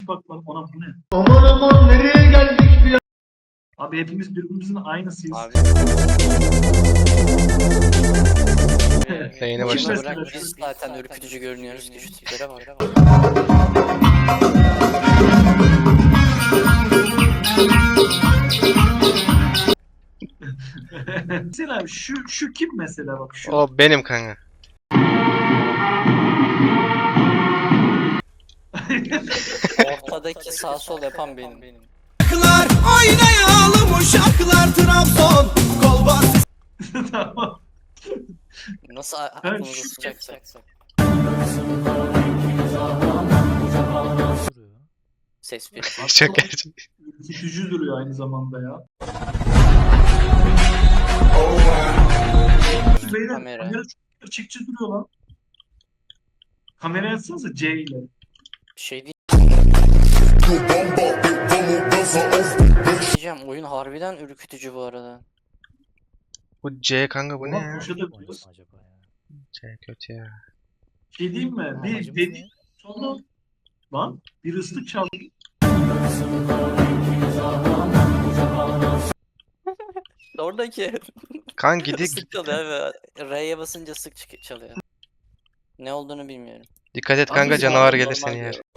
bak lan ona bu ne? Aman aman nereye geldik ya? Abi hepimiz birbirimizin aynısıyız. Abi. Yayına Kim başladı. mesela Bırak şu- biz zaten ürkütücü görünüyoruz ki şu tiplere bak. Mesela şu kim mesela bak şu. O benim kanka. Ortadaki sağ sol yapan benim. Şarkılar oynayalım uşaklar Trabzon kol bas. Tamam. Nasıl aklımızı şu- sıcaksak. Ses bir. Çok gerçek. Ürkütücü duruyor aynı zamanda ya. Şu beyler Kamera. kamera çok gerçekçi duruyor lan. Kamera yazsanıza C ile. Şey değil. Diyeceğim oyun harbiden ürkütücü bu arada. Bu C kanka bu ne Ulan ya? köşede biliyoruz. C kötü ya. Şey diyeyim mi? Bir dedi sonra lan bir ıslık çaldı. Oradaki Kan gidik. sık çalıyor abi. R'ye basınca sık çalıyor. Ne olduğunu bilmiyorum. Dikkat et Abi kanka biz canavar normal gelir seni yer. diyorum.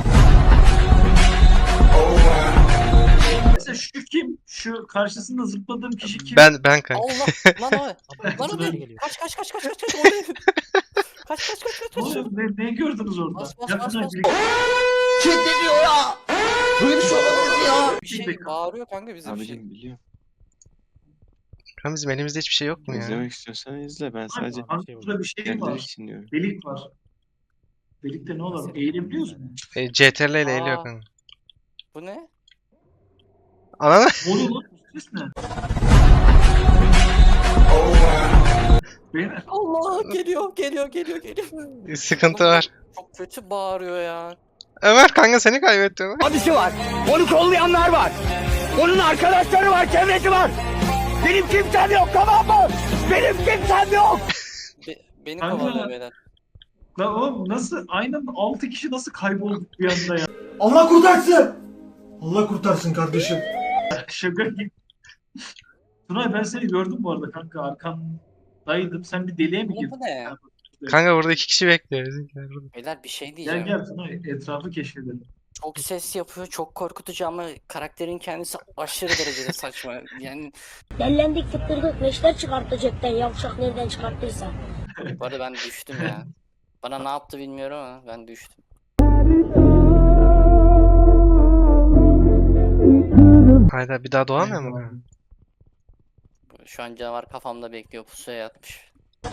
Mesela şu kim? Şu karşısında zıpladığım kişi kim? Ben kanka. Allah lan o. Lan o ne? Kaç. O ne? Kaç. Ne oluyor? Ne gördünüz orada? Bas, bas, Yapın bas, abi, bas. bir- Kim diyor ya? Böyle bir şey olamaz ya. Bir şey bağırıyor kanka bize bir şey. Abicim biliyorum. Kan bizim elimizde hiçbir şey yok mu ya? İzlemek istiyorsan izle. Ben sadece Abi, burada bir şey kendileri var. için diyorum. Delik var. Delikte ne olur? Eğilebiliyor musun? CTRL ile Aa. eğiliyor kanka. Bu ne? Ananı. Ne oluyor lan? Bu ses ne? Beyler. Allah geliyor. Sıkıntı var. Çok kötü bağırıyor ya. Ömer kanka seni kaybettim. Abisi var. Onu kollayanlar var. Onun arkadaşları var, çevresi var. Benim kimsem yok, tamam mı? Benim kimsem yok. Beni Kanka. kovalıyor beyler. Lan oğlum nasıl? Aynen 6 kişi nasıl kaybolduk bir anda ya? Allah kurtarsın. Allah kurtarsın kardeşim. Şaka gibi. Tunay ben seni gördüm bu arada kanka. Arkandaydım. Sen bir deliğe mi Bu girdin? ne? Kanka burada 2 kişi bekliyor. Bizimkiler burada. Beyler bir şey Gel diyeceğim. gel Tunay. Etrafı keşfedelim. Çok ses yapıyor, çok korkutucu ama karakterin kendisi aşırı derecede saçma. Yani Dellendik fıttırdık neşter çıkarttı cepten yavşak nereden çıkarttıysa. bu arada ben düştüm ya. Bana ne yaptı bilmiyorum ama ben düştüm. Hayda bir daha doğamıyor mu kanka? Şu an canavar kafamda bekliyor, pusuya yatmış.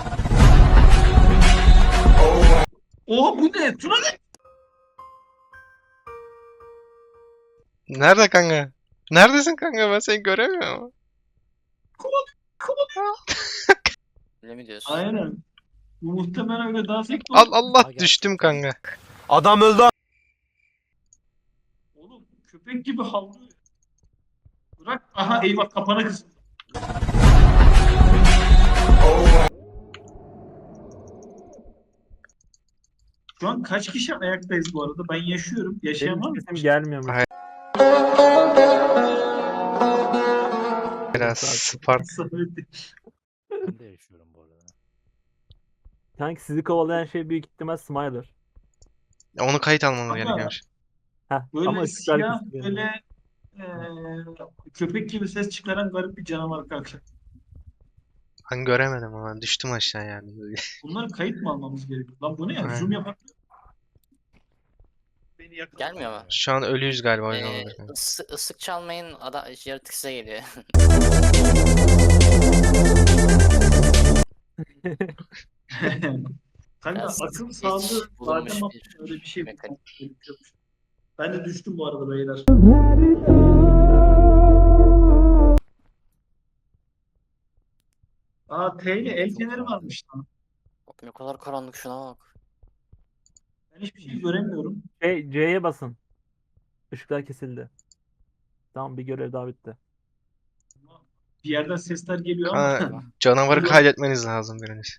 Oha bu ne? Tunay ne? Nerede kanka? Neredesin kanka? Ben seni göremiyorum. Öyle mi diyorsun? Aynen. Bu muhtemelen öyle dans etmiyor. Allah düştüm kanka. Adam öldü. Oğlum köpek gibi havlıyor. Bırak. Aha eyvah kapana kız. Şu an kaç kişi ayaktayız bu arada? Ben yaşıyorum. Yaşayan var mı? Sesim gelmiyor mu? Biraz Spark. Ben de yaşıyorum bu arada. Sanki sizi kovalayan şey büyük ihtimal Smiler. Onu kayıt almamız Ama- gerekiyormuş. Heh, Böyle ama ışıklar siyah kısıyor. böyle köpek gibi ses çıkaran garip bir canavar kanka. Ben göremedim ama düştüm aşağı yani. Bunları kayıt mı almamız gerekiyor? Lan bu ne ya? Aynen. Zoom yapak. Beni yakala. Gelmiyor mu? Şu an ölüyüz galiba oyun olabilir. Isık çalmayın, yaratık size geliyor. Kanka Biraz akıl geç sağlığı bulunmuş zaten bir öyle bir şey mekanik. gerekiyormuş. Ben de düştüm bu arada beyler. Aa T ile el feneri varmış lan. Bak ne kadar karanlık, şuna bak. Ben hiçbir şey göremiyorum. C'ye basın. Işıklar kesildi. Tamam bir görev daha bitti. Bir yerden sesler geliyor ama. Ha, canavarı kaydetmeniz lazım biriniz.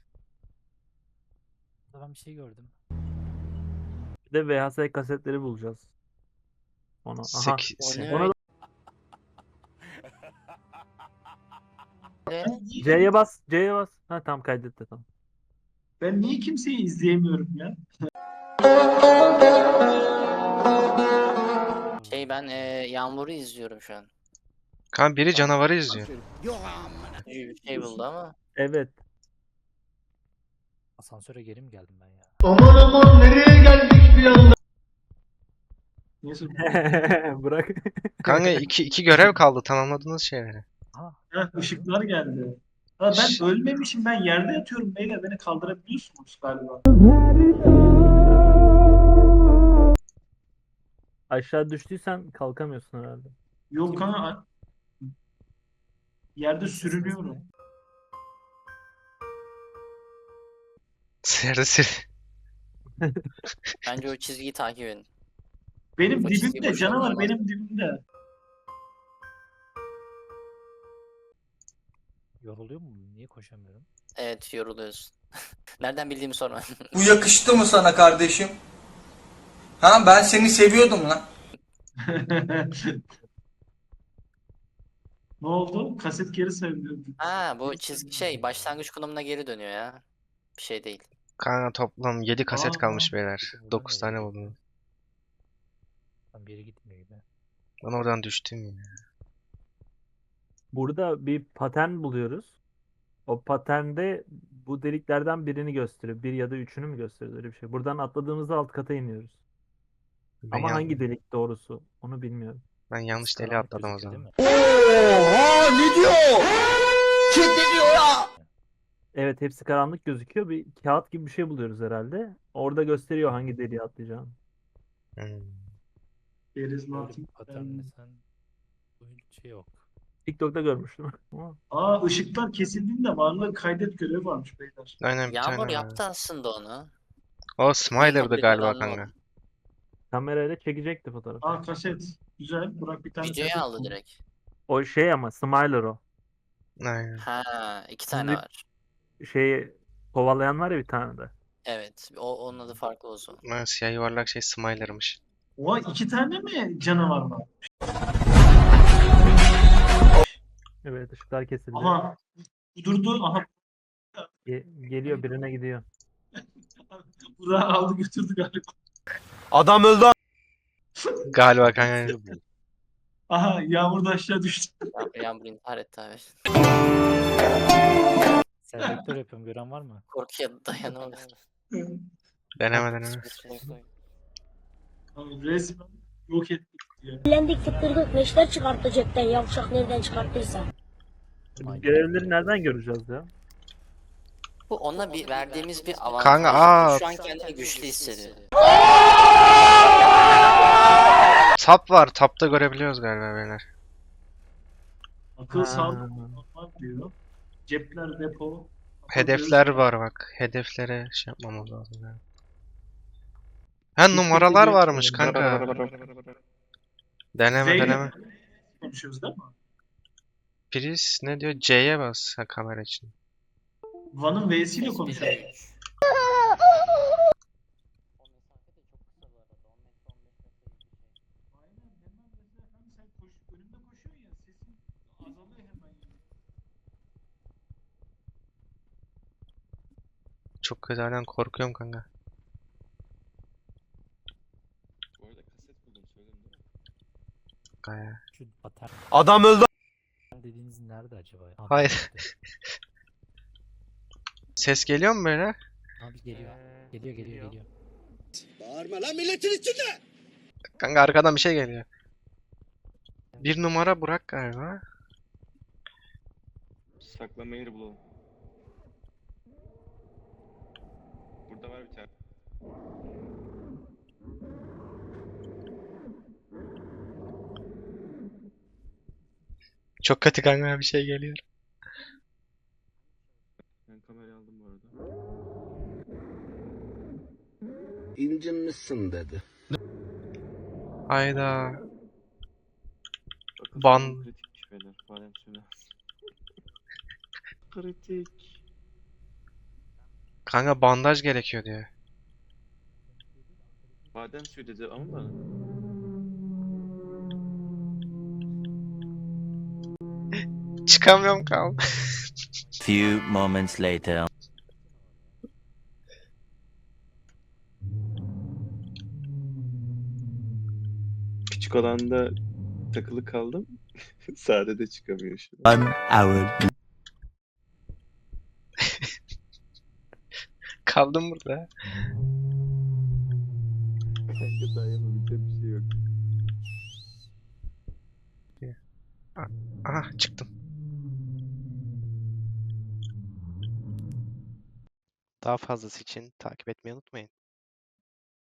Ben bir şey gördüm. Bir de VHS kasetleri bulacağız. Onu. Aha. 8. O ne Ona öyle? C'ye bas. C'ye bas. Ha tamam kaydetti tamam. Ben niye kimseyi izleyemiyorum ya? Ben Yağmur'u izliyorum şu an. Kanka biri canavarı izliyor. Bir şey buldu ama. Evet. Asansöre geri mi geldim ben ya? Neyse. Bırak. Kanka iki görev kaldı tamamladığınız şeyleri. Heh, ışıklar geldi. Ha, ben ölmemişim. Ben yerde yatıyorum beyler. Beni kaldırabiliyorsunuz galiba. Aşağı düştüysen kalkamıyorsun herhalde. Yok kanka. Yerde sürünüyorum. Yerde Bence o çizgiyi takip edin. Benim O çizgi dibimde boş canavar olmaz. benim dibimde. Yoruluyor mu? Niye koşamıyorum? Evet, yoruluyorsun. Nereden bildiğimi sorma. Bu yakıştı mı sana kardeşim? Ha ben seni seviyordum lan. Ne oldu? Kaset geri sevdi. Ha, bu çizgi başlangıç konumuna geri dönüyor ya. Bir şey değil. Kanka toplam 7 kaset Aa. kalmış beyler. Peki buradan 9 tane nereye buldum. Tam bir yere gitmiyor gibi. Ben oradan düştüm yine. Burada bir patern buluyoruz. O paternde bu deliklerden birini gösteriyor. Bir ya da üçünü mü gösteriyor öyle bir şey. Buradan atladığımızda alt kata iniyoruz. Ben, Ama yan- hangi delik doğrusu onu bilmiyorum. ben yanlış deliğe Karanlık atladım o gözüküyor, zaman. değil mi? Oha ne diyor? Kim ne diyor ya? Evet hepsi karanlık gözüküyor. Bir kağıt gibi bir şey buluyoruz herhalde. Orada gösteriyor hangi deliğe atlayacağını. Hmm. Karizmatik. Paternle sen bu şey yok. TikTok'ta görmüştüm. Ama Aa, ışıklar kesildiğinde varlığı kaydet görevi varmış beyler. Aynen bir Yağmur tane var. yaptı aslında onu. O Smiler'dı Kabul galiba edilen kanka. oldu. kamerayla çekecekti fotoğrafı. Aa, kaset. Güzel. Burak bir tane Videoyu kaset aldı buldu. direkt. O şey ama Smiler o. Aynen. Ha, iki tane Sizi- var. Şeyi kovalayan var ya bir tane de. Evet. Onun adı farklı o zaman. Ha, siyah yuvarlak şey Smiler'mış. Oha, 2 tane mi canavar var? Evet ışıklar kesildi. Aha. Durdu. Aha. Geliyor birine gidiyor. Burak'ı aldı götürdü galiba. Adam öldü. Galiba kanka. Şey bu. Aha, Yağmur da aşağı düştü. Yağmur intihar etti abi. Selektör yapıyorum gören var mı? Korkuya dayanamadı. Deneme. Abi, resmen yok ettik ya. Eğlendik tıktırdık neşter çıkarttı cepten yavşak nereden çıkarttıysa. Biz görevleri nereden göreceğiz ya? Bu ona verdiğimiz bir avantaj. Kanka, Şu an kendini güçlü hissediyor. Tap var. Tapta görebiliyoruz galiba beyler. Akıl Ha. sağlık var diyor. Cepler depo. Hedefler var bak. Hedeflere şey yapmamız lazım yani. Ha numaralar bir- varmış kanka. Deneme. Zeynep konuşuyoruz değil mi? Priz ne diyor? C'ye bas ha, kamera için. Van'ın V'siyle konuşuyoruz. Aynen, hemen mesela hani sen önümde koşuyorsun ya, sesin azalıyor hemen. Çok kötü halen korkuyorum kanka. Bu arada kaset buldum söyledim değil mi? Gaya. Şu patern Adam öldü. dediğiniz nerede acaba? Abi, Hayır. Ses geliyor mu böyle? Abi geliyor. Geliyor. Kanka arkadan bir şey geliyor. Bir numara Burak galiba. Saklama yeri bulalım. Burada var bir tane. Çok kötü kanka bir şey geliyor. Ben kamerayı aldım bu arada. İncinmişsin dedi. Hayda. Bakın Ban- sorun kritikmiş beyler. Badem suyu. Kritik. Kanka bandaj gerekiyor diyor. Badem suyu dedi ama Çıkamıyorum kaldım. Few moments later. Küçük alanda takılı kaldım. Sade de çıkamıyor şu an. 1 hour. Kaldım burada. Kanka daha yapabileceğim bir şey yok. Aha çıktım. Daha fazlası için takip etmeyi unutmayın.